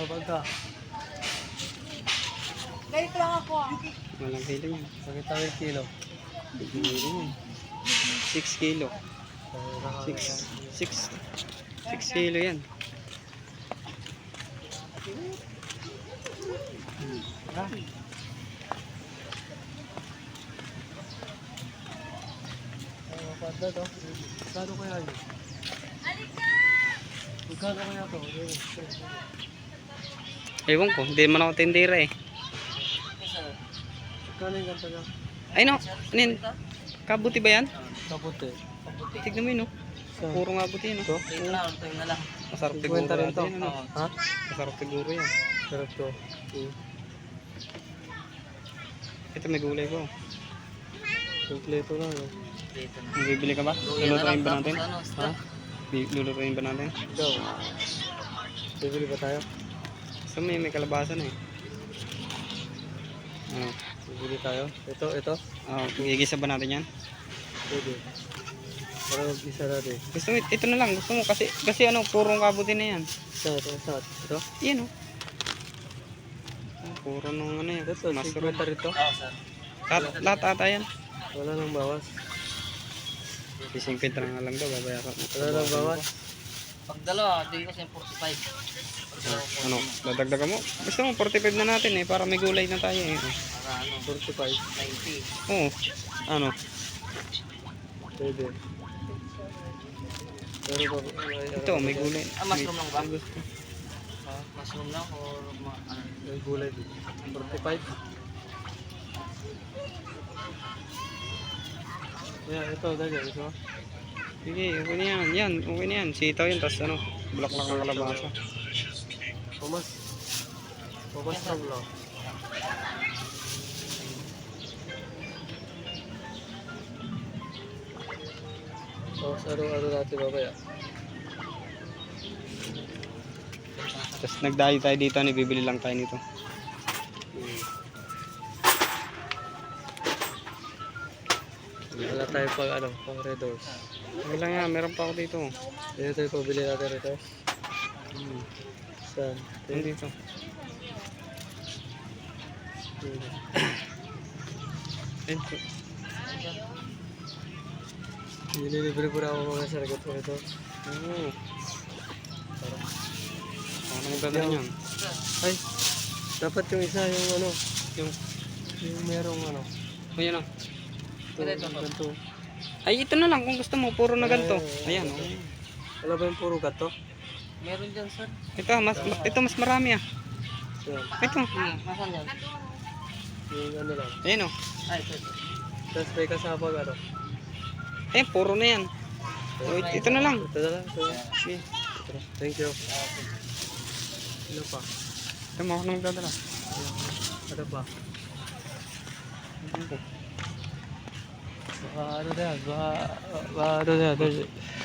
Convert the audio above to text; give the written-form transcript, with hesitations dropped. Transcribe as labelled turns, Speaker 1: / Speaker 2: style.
Speaker 1: pagka.
Speaker 2: Ganito lang ako ah.
Speaker 3: Walang kilo yan.
Speaker 1: Bakit tayo kilo?
Speaker 3: Kilo yan. 6 kilo. 6 kilo yan.
Speaker 1: Pada to. Magkano kaya yun? Magkano kaya to?
Speaker 3: Ewan ko, hindi man ako tindera eh.
Speaker 1: Magkano yung ganito niya?
Speaker 3: Ay no, anin? Kabuti ba yan?
Speaker 1: Kaputi.
Speaker 3: Tignan mo yun, no? Puro nga buti yun, no?
Speaker 1: Ito?
Speaker 2: Tingnan na lang.
Speaker 3: Masarap siguro
Speaker 1: Kwenta rin to.
Speaker 3: yan, ano?
Speaker 1: Ha?
Speaker 3: Masarap siguro yan.
Speaker 1: Sarap to.
Speaker 3: Ito may gulay ko.
Speaker 1: Kompleto na, no?
Speaker 2: Dito na.
Speaker 3: Bibili ka ba? Lulutuin ba natin?
Speaker 2: Ano,
Speaker 1: Ha?
Speaker 3: Lulutuin ba natin?
Speaker 1: Ikaw. Bibili ba tayo?
Speaker 3: So may kalabasa na eh. Ano?
Speaker 1: Bibili tayo? Ito?
Speaker 3: Gigisa ba natin yan?
Speaker 1: Pwede. Para mag-isa natin.
Speaker 3: Gusto mo, ito na lang. Gusto mo kasi ano, purong kabuti na yan.
Speaker 1: Ito?
Speaker 3: Yan o. Puro nung ano yan.
Speaker 1: Ito,
Speaker 3: Mushroom.
Speaker 1: 50 rito.
Speaker 2: Oo, sir.
Speaker 3: Lahat ata yan.
Speaker 1: Wala nang bawas.
Speaker 3: Isang pinta na nga lang daw, babayaran.
Speaker 1: Wala nang bawas.
Speaker 2: Pag dalawa, di kasi 45.
Speaker 3: Ano, dadagdagan mo? Gusto mo, 45 na natin eh, para may gulay na tayo eh.
Speaker 2: Para ano,
Speaker 1: 45.
Speaker 2: 90.
Speaker 3: Oo. Ano?
Speaker 1: Pwede. Pero
Speaker 3: Ito, may gulay.
Speaker 2: Ah, mushroom lang ba?
Speaker 3: May gusto.
Speaker 2: Mushroom lang or ano?
Speaker 1: May gulay dito. 45. Yeah, ito dali. Ito.
Speaker 3: Sige, okay na yan. Yan, okay na yan. Sitaw yan, tapos ano, bulaklak ng kalabasa.
Speaker 1: Pumas. Pumas lang. Tapos araw-araw natin babaya.
Speaker 3: Tapos nagdayo tayo dito, bibili lang tayo nito.
Speaker 1: Wala tayo pag ano, pang red doors.
Speaker 3: Okay lang yan, meron pa ako dito.
Speaker 1: Dito tayo pabili natin ito. Saan?
Speaker 3: Nandito. Ito.
Speaker 1: Nililibre po na ako mga saragot ko ito.
Speaker 3: Oo. Paano magdadala yan?
Speaker 1: Ay, dapat yung isa yung ano, yung merong ano.
Speaker 3: O yan o.
Speaker 2: Ito.
Speaker 1: Ganito.
Speaker 3: Ay, ito na lang kung gusto mo, puro na ganito. Ayan o.
Speaker 1: Wala ba yung puro gato?
Speaker 2: Meron dyan, sir.
Speaker 3: Ito mas marami ah.
Speaker 1: Yan.
Speaker 3: Ito.
Speaker 2: Nasaan yan?
Speaker 1: Yung ano lang.
Speaker 3: Ayan o.
Speaker 2: Ay, ito.
Speaker 1: Tapos may kasama ano.
Speaker 3: Ayan, puro na yan. O, ito na lang.
Speaker 1: Ito na lang. Ito.
Speaker 3: Sige.
Speaker 1: Thank you. Ano pa?
Speaker 3: Ito mo ako na magdadala.
Speaker 1: Ano pa? Baka ano na yan? Baka ano na yan?